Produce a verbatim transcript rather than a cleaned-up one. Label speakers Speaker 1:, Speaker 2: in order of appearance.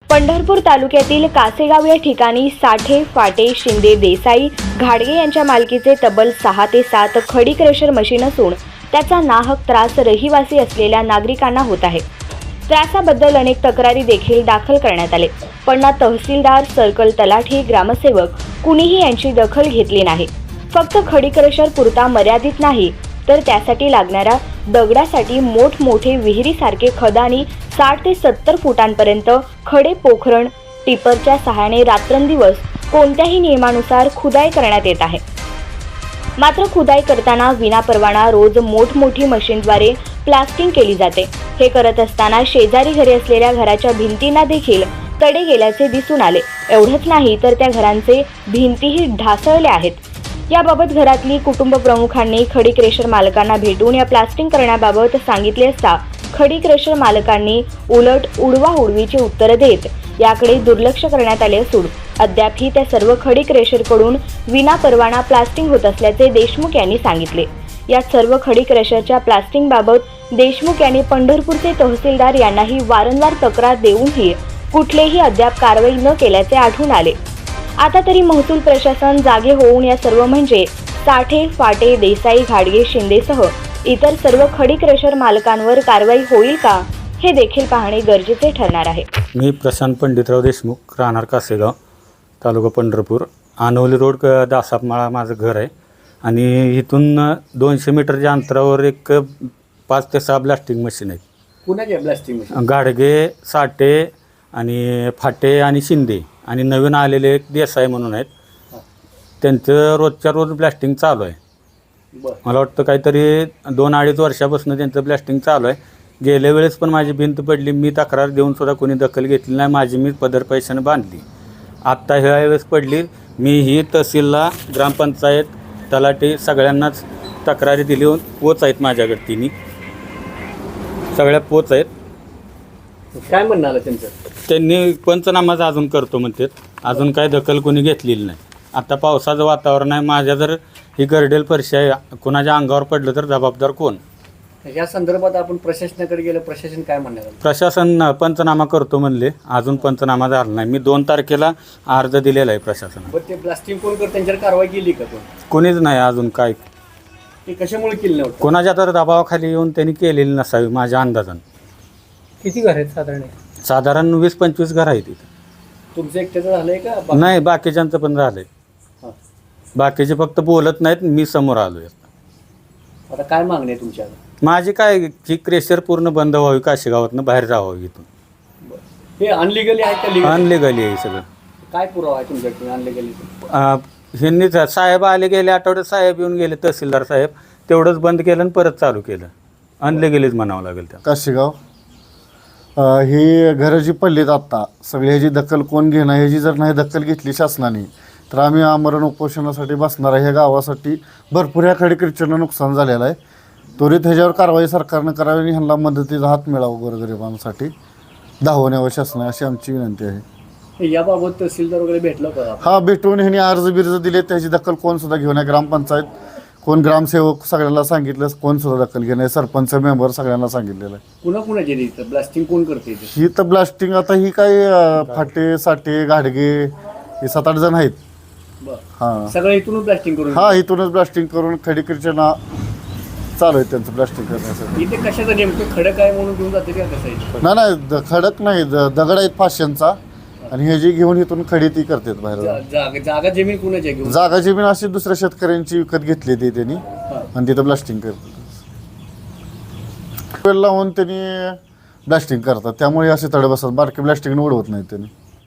Speaker 1: पंढरपूर तालुक्यातील कासेगाव या ठिकाणी साठे, फाटे, शिंदे, देसाई, घाडगे यांच्या मालकीचे तब्बल सहा ते सात खडी क्रेशर मशीन असून त्याचा नाहक त्रास रहिवासी असलेल्या नागरिकांना होत आहे। त्रासाबद्दल अनेक तक्रारी देखील दाखल करण्यात आले, पण ना तहसीलदार, सर्कल तलाठी, ग्रामसेवक कुणीही यांची दखल घेतली नाही। फक्त खडी क्रेशर पुरता मर्यादित नाही तर त्यासाठी लागणाऱ्या दगडासाठी मोठमोठे विहिरीसारखे खदानी साठ ते सत्तर फुटांपर्यंत खडे पोखरण टिपरच्या सहाय्याने रात्रंदिवस कोणत्याही नियमानुसार खुदाई करण्यात येत आहे। मात्र खुदाई करताना विनापरवाना रोज मोठमोठी मशीनद्वारे प्लास्टिंग केली जाते। हे करत असताना शेजारी घरे असलेल्या घराच्या भिंतींना देखील तडे गेल्याचे दिसून आले। एवढंच नाही तर त्या घरांचे भिंतीही ढासळल्या आहेत। याबाबत घरातली कुटुंब प्रमुखांनी खडी क्रेशर मालकांना भेटून या प्लास्टिंग करण्याबाबत सांगितले असता खडी क्रेशर मालकांनी उलट उडवाउडवीची उत्तर देत याकडे दुर्लक्ष करण्यात आले असून अद्यापही त्या सर्व खडी क्रेशरकडून विनापरवाना प्लास्टिंग होत असल्याचे देशमुख यांनी सांगितले। या सर्व खडी क्रेशरच्या प्लास्टिंगबाबत देशमुख यांनी पंढरपूरचे तहसीलदार यांनाही वारंवार तक्रार देऊनही कुठलेही अद्याप कारवाई न केल्याचे आढळून आले। आता तरी महसूल प्रशासन जागे होऊन या सर्व म्हणजे साठे, फाटे, देसाई, घाडगे, शिंदेसह इतर सर्व खडी क्रेशर मालकांवर कारवाई होईल का हे देखील पाहणे गरजेचे ठरणार आहे।
Speaker 2: मी प्रशांत पंडितराव देशमुख, राहणार कासेगाव, तालुका पंढरपूर, आनवली रोड, दासापमाळा माझं घर आहे आणि इथून दोनशे मीटरच्या अंतरावर एक पाच ते सहा ब्लास्टिंग मशीन आहेत।
Speaker 3: कुणाचे ब्लास्टिंग मशीन?
Speaker 2: घाडगे, साठे आणि फाटे आणि शिंदे आणि नवीन आलेले एक देसाई म्हणून आहेत। त्यांचं रोजच्या रोज ब्लास्टिंग चालू आहे। मला वाटतं काहीतरी दोन अडीच वर्षापासून त्यांचं ब्लास्टिंग चालू आहे। गेल्या वेळेस पण माझी भिंत पडली, मी तक्रार देऊन सुद्धा कोणी दखल घेतली नाही, माझी मी पदर पैशाने बांधली। आत्ता ह्या वेळेस पडली, मी ही तहसीलला, ग्रामपंचायत, तलाठी सगळ्यांनाच तक्रारी दिली, पोच आहेत माझ्याकडे, तिन्ही सगळ्या पोच आहेत।
Speaker 3: काय म्हणणं आलं त्यांचं?
Speaker 2: त्यांनी पंचनामाच अजून करतो म्हणतात, अजून काय दखल कोणी घेतलेली नाही। आता पावसाचं वातावरण आहे, माझ्या जर ही गर्डेल फरशी आहे, कोणाच्या अंगावर पडलं तर जबाबदार कोण?
Speaker 3: या संदर्भात आपण प्रशासनाकडे गेलं, प्रशासन काय म्हणणार?
Speaker 2: प्रशासन पंचनामा करतो म्हणले, अजून पंचनामा झाला नाही। मी दोन तारखेला अर्ज दिलेला आहे प्रशासनाला।
Speaker 3: पण ते ब्लास्टिंग कोण करत त्यांच्यावर कारवाई केली का? कोण?
Speaker 2: कोणीच नाही अजून। काय
Speaker 3: ते कशामुळे केली नव्हतं?
Speaker 2: कोणाच्या तर दबावाखाली येऊन त्यांनी केलेली नसावी माझ्या अंदाजानं।
Speaker 3: किती घर आहेत साधारण?
Speaker 2: साधारण वीस पंचवीस घर आहेत इथं।
Speaker 3: तुमचं एकट्याचं झालंय का?
Speaker 2: नाही, बाकीच्यांचं पण झालंय। बाकीचे फक्त बोलत नाहीत, मी समोर आलोय।
Speaker 3: आता काय मागणी आहे तुमच्या?
Speaker 2: माझी काय की क्रेशर पूर्ण बंद व्हावी, काशेगावातनं बाहेर जावं इथून।
Speaker 3: हे अनलिगली आहे का लीगल?
Speaker 2: अनलिगली आहे सगळं।
Speaker 3: काय पुरावा आहे तुमच्याकडे अनलिगली?
Speaker 2: ह्यांनीच साहेब आले, गेले आठवड्यात साहेब येऊन गेले, तहसीलदार साहेब, तेवढंच बंद केलं आणि परत चालू केलं। अनलिगलीच म्हणावं लागेल त्या।
Speaker 4: काशेगाव ही घरं जी पडलीत आत्ता सगळी ह्याची दखल कोण घेणं, ह्याची जर नाही दखल घेतली शासनाने तर आम्ही आमरण उपोषणासाठी बसणार आहे। ह्या गावासाठी भरपूर ह्या खडी क्रेशरनं नुकसान झालेलं आहे। त्वरित ह्याच्यावर कारवाई सरकारनं करावी आणि ह्यांना मदतीचा हात मिळावा गोरगरिबांसाठी धावण्यावर शासन अशी आमची विनंती आहे।
Speaker 3: याबाबत तहसीलदार वगैरे भेटलं का?
Speaker 4: हा, भेटून ह्यांनी अर्ज बिर्ज दिले, त्याची दखल कोण सुद्धा घेऊन आहे। ग्रामपंचायत कोण, ग्रामसेवक सगळ्यांना सांगितलं, कोण सुद्धा दखल घेणं आहे। सरपंच मेंबर सगळ्यांना सांगितलेलं आहे।
Speaker 3: पुन्हा कुणाचे इथं ब्लास्टिंग कोण करते?
Speaker 4: ही तर ब्लास्टिंग आता ही काय फाटे, साठे, घाडगे हे सात आठ जण आहेत।
Speaker 3: हां, सगळं इथूनच ब्लास्टिंग करून?
Speaker 4: हा, इथूनच ब्लास्टिंग करून खडी क्रेशरना चालू आहे त्यांचं ब्लास्टिंग करण्यासाठी।
Speaker 3: इथे कशाचं नेमकं खडक आहे म्हणून घेऊन जाते का कसं आहे?
Speaker 4: नाही नाही, द- खडक नाही, द- दगड आहेत फाश्यांचा आणि हे जी घेऊन इथून खडी ती करतात बाहेर।
Speaker 3: जागा जागा जमीन कुणाची घेऊन?
Speaker 4: जागा जमीन अशी दुसऱ्या शेतकऱ्यांची विकत घेतली ती त्यांनी आणि तिथं ब्लास्टिंग करतात, लावून त्यांनी ब्लास्टिंग करतात, त्यामुळे असे तडे बसतात, बारके ब्लास्टिंग उडवत नाहीत त्यांनी।